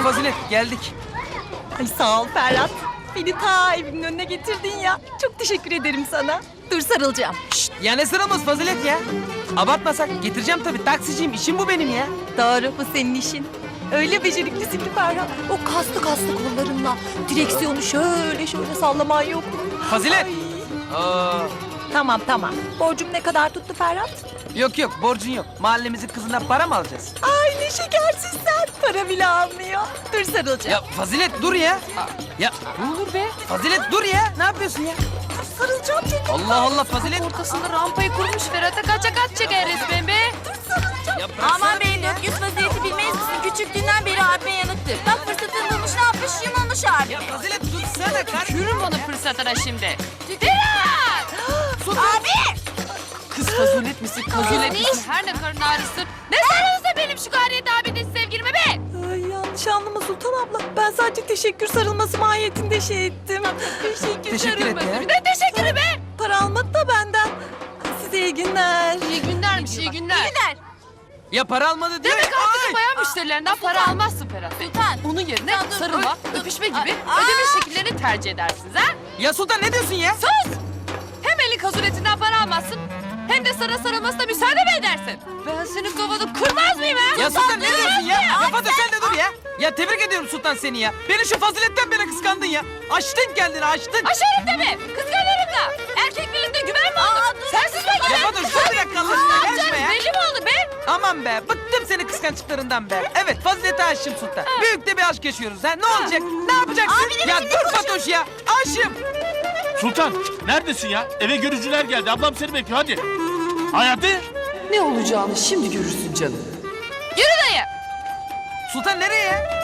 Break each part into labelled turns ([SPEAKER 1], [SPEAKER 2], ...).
[SPEAKER 1] Fazilet geldik.
[SPEAKER 2] Ay sağ ol Ferhat. Beni ta evimin önüne getirdin ya. Çok teşekkür ederim sana. Dur sarılacağım.
[SPEAKER 1] Şşt, ya ne sıramız Fazilet ya? Abartmasak getireceğim tabii. Taksiciyim, işim bu benim ya.
[SPEAKER 2] Doğru, bu senin işin. Öyle beceriklisin ki Ferhat. O kaslı kollarınla direksiyonu şöyle sallaman yok mu?
[SPEAKER 1] Fazilet.
[SPEAKER 2] Ay.
[SPEAKER 1] Aa,
[SPEAKER 2] Tamam. Borcum ne kadar tuttu Ferhat?
[SPEAKER 1] yok borcun yok. Mahallemizin kızından para mı alacağız?
[SPEAKER 2] Ay ne şekersin sen. Para bile almıyor. Dur sarılacağım.
[SPEAKER 1] Ya Fazilet dur ya. Ya
[SPEAKER 3] Ne olur be?
[SPEAKER 1] Fazilet dur ya. Ne yapıyorsun ya?
[SPEAKER 2] Sarılacağım çünkü.
[SPEAKER 1] Allah Fazilet.
[SPEAKER 3] Ortasında rampayı kurmuş Ferhat'a kaç çeker resmen be.
[SPEAKER 1] Ya bıraksana
[SPEAKER 4] Aman
[SPEAKER 1] beni
[SPEAKER 4] bey
[SPEAKER 1] ya.
[SPEAKER 4] Dökyüz vaziyeti bilmeyiz misin? Küçüklüğünden beri abime yanıktır. Bak fırsatını bulmuş ne yapmış yumulmuş abi.
[SPEAKER 1] Ya Fazilet dursana kardeşim.
[SPEAKER 3] Yürüm onu fırsatına şimdi. Ferhat!
[SPEAKER 4] Abi!
[SPEAKER 3] Kız fazulet misin, kazulet
[SPEAKER 4] Kız
[SPEAKER 3] misin? Her ne karın ağrısın. Ne sarılırsa benim şu Gayret abinin sevgilime be!
[SPEAKER 2] Ay yanlış anlama Sultan abla. Ben sadece teşekkür sarılması mahiyetinde şey ettim.
[SPEAKER 1] Teşekkür et ya.
[SPEAKER 3] Ne teşekkürü be!
[SPEAKER 2] Para almadı da benden. Size iyi günler.
[SPEAKER 3] İyi günlermiş, iyi günler.
[SPEAKER 4] Gider.
[SPEAKER 1] Ya para almadı diyor.
[SPEAKER 3] Demek
[SPEAKER 1] ya.
[SPEAKER 3] artık bayan müşterilerinden para almazsın Ferhat Bey.
[SPEAKER 4] Sultan.
[SPEAKER 3] Onun yerine
[SPEAKER 4] Sultan, dur,
[SPEAKER 3] sarılma,
[SPEAKER 4] dur.
[SPEAKER 3] öpüşme gibi
[SPEAKER 4] Aa!
[SPEAKER 3] ödeme şekillerini tercih edersiniz ha?
[SPEAKER 1] Ya Sultan ne diyorsun ya?
[SPEAKER 3] Sus! Hem elin kazuletinden para almazsın, hem de sana sarılmasına müsaade mi edersin? Ben senin kafanı kırmaz mıyım ha?
[SPEAKER 1] Ya Sultan ne diyorsun ya? Ya Fatih sen de dur ya. Ya tebrik ediyorum Sultan seni ya. Beni şu faziletten beri kıskandın ya. Açtın kendini açtın.
[SPEAKER 3] Aşarım deme, kıskanırım da. Erkek birliğinde güven mi olur? Sensiz ben
[SPEAKER 1] Ya
[SPEAKER 3] güven.
[SPEAKER 1] Fatih dur bir dakika Allah aşkına
[SPEAKER 3] Canım
[SPEAKER 1] gelme ya.
[SPEAKER 3] belli mi oldu be?
[SPEAKER 1] Aman be bıktım senin kıskançlıklarından be. Evet fazilete aşığım Sultan. Büyük de bir aşk yaşıyoruz ha. Ne olacak? Ne yapacaksın? Ya dur Fatoş ya. Aşığım.
[SPEAKER 5] Sultan neredesin ya? Eve görücüler geldi. Ablam seni bekliyor hadi. Hayati.
[SPEAKER 6] Ne olacağını şimdi görürsün canım.
[SPEAKER 3] Yürü dayı.
[SPEAKER 1] Sultan nereye ya?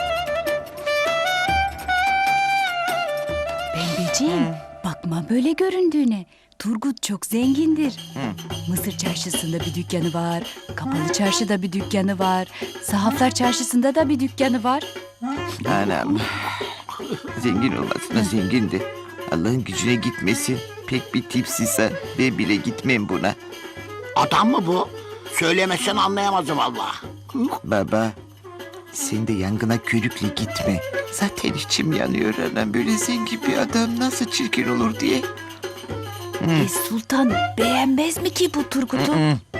[SPEAKER 7] Pembeciğim, bakma böyle göründüğüne. Turgut çok zengindir. Mısır çarşısında bir dükkanı var. Kapalı çarşıda bir dükkanı var. Sahaflar çarşısında da bir dükkanı var.
[SPEAKER 8] Anam. Zengin olmasına zengindi. Allah'ın gücüne gitmesin. Pek bir tipsizsen ben bile gitmem buna.
[SPEAKER 9] Adam mı bu? Söylemezsen anlayamazdım valla.
[SPEAKER 8] Baba sen de yangına körükle gitme. Zaten içim yanıyor anam. Böyle zengin bir adam nasıl çirkin olur diye.
[SPEAKER 7] Sultan beğenmez mi ki bu Turgut'u?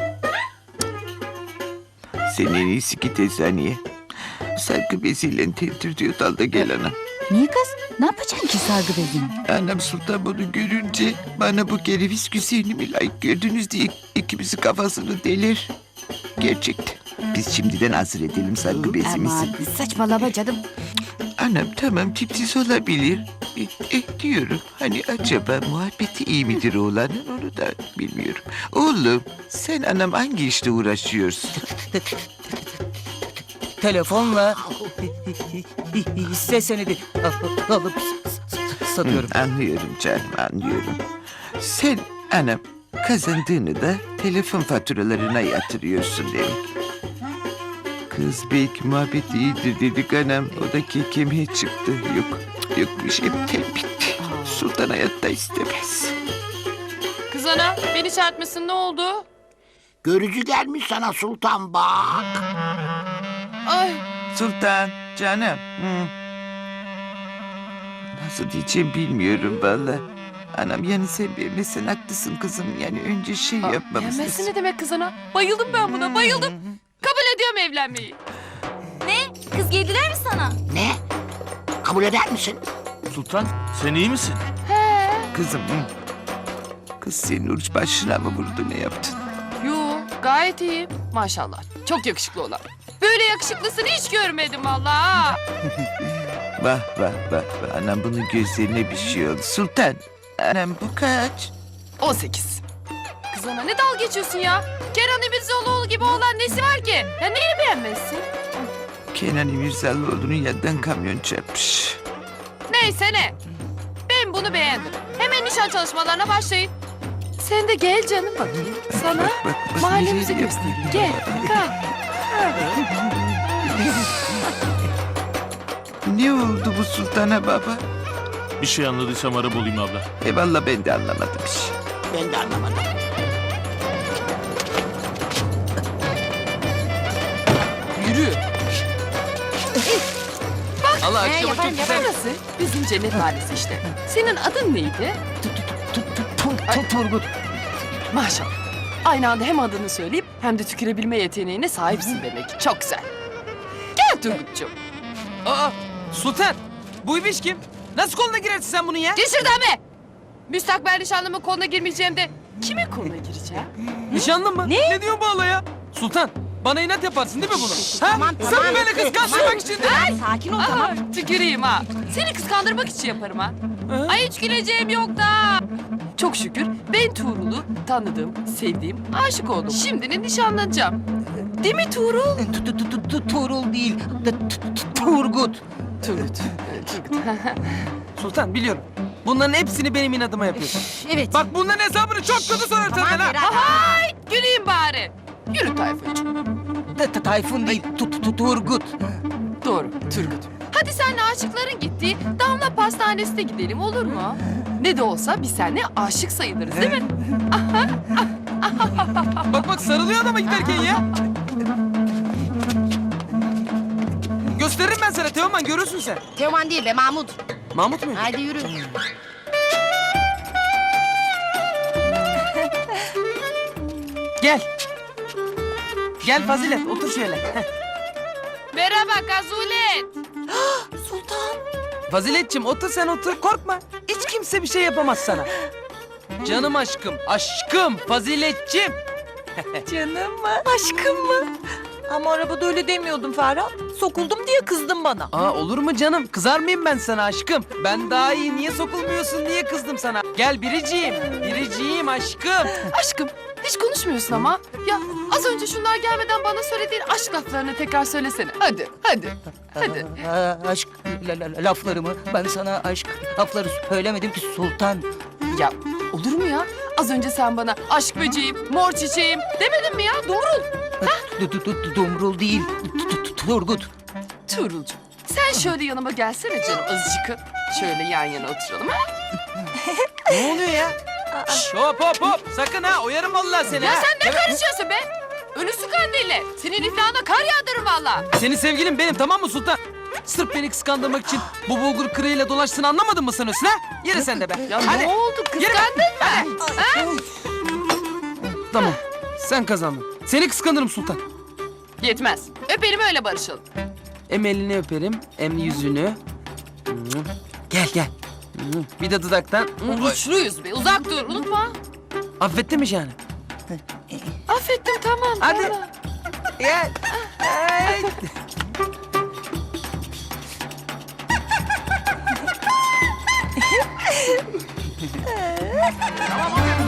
[SPEAKER 8] Sen en iyisi git eczaneye. Sargı beziyle tentir diyor dalda gel anam.
[SPEAKER 7] Niye kız? Ne yapacaksın ki sargı bezini?
[SPEAKER 8] Anam Sultan bunu görünce bana bu kereviz güzelliğimi layık gördünüz diye ikimizin kafasını delir. Gerçekten. Biz şimdiden hazır edelim sargı bezimizi.
[SPEAKER 7] Aman saçmalama canım.
[SPEAKER 8] Anam tamam tipsiz olabilir. Diyorum hani acaba muhabbeti iyi midir oğlanın onu da bilmiyorum. Oğlum sen anam hangi işle uğraşıyorsun?
[SPEAKER 1] Telefonla hisse senedi alıp satıyorum.
[SPEAKER 8] Anlıyorum canım anlıyorum. Sen anam kazandığını da telefon faturalarına yatırıyorsun demek. Kız belki muhabbet iyidir dedik anam. O da kekemeye çıktı. Yok bir şey bitti. Sultan hayatta istemez.
[SPEAKER 3] Kız ana, beni çarpmasın ne oldu?
[SPEAKER 9] Görücü gelmiş sana sultan bak.
[SPEAKER 3] Ay,
[SPEAKER 8] Sultan canım. Nasıl diyeceğim bilmiyorum vallahi. Anam yani sen beğenmezsen haklısın kızım. Yani önce şey yapmamız
[SPEAKER 3] beğenmezsin ne demek kız ana? Bayıldım ben buna, bayıldım. Kabul ediyorum evlenmeyi.
[SPEAKER 4] Ne? Kız geldiler mi sana?
[SPEAKER 9] Ne? Kabul eder misin?
[SPEAKER 5] Sultan sen iyi misin?
[SPEAKER 8] Kızım. Kız senin uç başına mı vurdu ne yaptın?
[SPEAKER 3] Yo, gayet iyiyim. Maşallah, çok yakışıklı olan. Böyle yakışıklısını hiç görmedim vallahi.
[SPEAKER 8] Vah. Anam bunun gözlerine bir şey oldu. Sultan. Anam bu kaç?
[SPEAKER 3] 18. Kız ana ne dalga geçiyorsun ya? Kenan İmirzalıoğlu gibi olan nesi var ki? Ya neyini beğenmezsin?
[SPEAKER 8] Kenan İmirzalıoğlu'nun yanından kamyon çarpmış.
[SPEAKER 3] Neyse ne. Ben bunu beğendim. Hemen nişan çalışmalarına başlayın. Sen de gel canım bakayım. Sana
[SPEAKER 8] Bak,
[SPEAKER 3] mahallemizi
[SPEAKER 8] nereye
[SPEAKER 3] göstereyim.
[SPEAKER 8] yapayım?
[SPEAKER 3] Gel, kalk.
[SPEAKER 8] Ne oldu bu sultana baba?
[SPEAKER 5] Bir şey anladıysam ara bulayım abla.
[SPEAKER 8] Vallahi ben de anlamadım bir şey.
[SPEAKER 9] Ben de anlamadım.
[SPEAKER 6] Yürü.
[SPEAKER 1] Allah akşama çok güzel.
[SPEAKER 3] Burası bizim cennet mahallesi işte. Senin adın neydi?
[SPEAKER 6] Turgut.
[SPEAKER 3] Maşallah. Aynı anda hem adını söyleyip hem de tükürebilme yeteneğine sahipsin demek ki. Çok güzel. Gel Turgut'cum.
[SPEAKER 1] Aa Sultan. Bu ibiş kim? Nasıl koluna girersin sen bunun ya?
[SPEAKER 3] Gel şuradan be! Müstakbel nişanlımın koluna girmeyeceğim de kimin koluna gireceğim?
[SPEAKER 1] Nişanlın mı? Ne diyor bu hala ya? Sultan bana inat yaparsın değil mi bunu? Ha?
[SPEAKER 4] Tamam,
[SPEAKER 1] Sırf
[SPEAKER 4] tamam.
[SPEAKER 1] böyle kıskançlık için değil mi?
[SPEAKER 4] Sakin ol
[SPEAKER 3] Aa, tüküreyim ha. Seni kıskandırmak için yaparım ha. Ay hiç güleceğim yok da. Çok şükür ben Tuğrul'u tanıdım, sevdiğim, aşık oldum. Şimdi de nişanlanacağım. Değil mi Tuğrul?
[SPEAKER 6] Tuğrul değil. Turgut.
[SPEAKER 3] Turgut. Turgut.
[SPEAKER 1] Sultan biliyorum. Bunların hepsini benim inadıma yapıyorsun.
[SPEAKER 4] Evet.
[SPEAKER 1] Bak bunların hesabını çok kötü sorarım senden ha.
[SPEAKER 3] Ay güleyim bari. Yürü Tayfuncuğum.
[SPEAKER 6] Tayfun değil. Turgut.
[SPEAKER 3] Doğru Turgut. Hadi senle aşıkların gittiği Damla Pastanesi'ne gidelim olur mu? Ne de olsa biz seninle aşık sayılırız değil mi?
[SPEAKER 1] Bak sarılıyor adama giderken ya. Gösteririm ben sana Teoman görürsün sen.
[SPEAKER 4] Teoman değil be Mahmut.
[SPEAKER 1] Mahmut mu?
[SPEAKER 4] Haydi yürü.
[SPEAKER 1] Gel. Gel Fazilet otur şöyle. Heh.
[SPEAKER 3] Merhaba Kazulet.
[SPEAKER 1] Faziletçim otur sen otur korkma. Hiç kimse bir şey yapamaz sana. Canım aşkım, aşkım Faziletçim.
[SPEAKER 2] Canım mı? Aşkım mı? Ama arabada öyle demiyordum Ferhat. Sokuldum diye kızdın bana.
[SPEAKER 1] Aa olur mu canım? Kızar mıyım ben sana aşkım? Ben daha iyi niye sokulmuyorsun diye kızdım sana. Gel biriciğim, biriciğim aşkım.
[SPEAKER 3] Aşkım hiç konuşmuyorsun ama. Ya az önce şunlar gelmeden bana söylediğin aşk laflarını tekrar söylesene. Hadi, hadi, hadi.
[SPEAKER 6] Aşk laflarımı. Ben sana aşk lafları söylemedim ki Sultan.
[SPEAKER 3] Ya olur mu ya? Az önce sen bana aşk böceğim, mor çiçeğim demedin mi ya? Dumrul.
[SPEAKER 6] Dumrul değil. Turgut.
[SPEAKER 3] Tuğrulcuğum sen şöyle yanıma gelsene canım azıcık. Şöyle yan yana oturalım ha?
[SPEAKER 1] Ne oluyor ya? Şş, hop hop hop. Sakın ha oyarım vallahi seni
[SPEAKER 3] Ya
[SPEAKER 1] ha.
[SPEAKER 3] sen ne karışıyorsun be? Ölüsü kandille. Senin iflahına kar yağdırırım valla.
[SPEAKER 1] Senin sevgilin benim tamam mı Sultan? Sırf beni kıskandırmak için bu bulgur kırığıyla dolaştığını anlamadın mı sanıyorsun ha? Yürü sen de be.
[SPEAKER 3] Ya
[SPEAKER 1] Hadi.
[SPEAKER 3] ne oldu? Kıskandın mı? Ha?
[SPEAKER 1] Tamam. Sen kazandın. Seni kıskanırım Sultan.
[SPEAKER 3] Yetmez. Öpelim öyle barışalım.
[SPEAKER 1] Hem elini öperim hem yüzünü. Gel gel. Bir de dudaktan.
[SPEAKER 3] Güçlüyüz be. Uzak dur. Unutma.
[SPEAKER 1] Affettin mi Şahane?
[SPEAKER 3] Affettim tamam.
[SPEAKER 1] Hadi.
[SPEAKER 3] tamam.
[SPEAKER 1] Gel. Ay.
[SPEAKER 9] Tamam abi.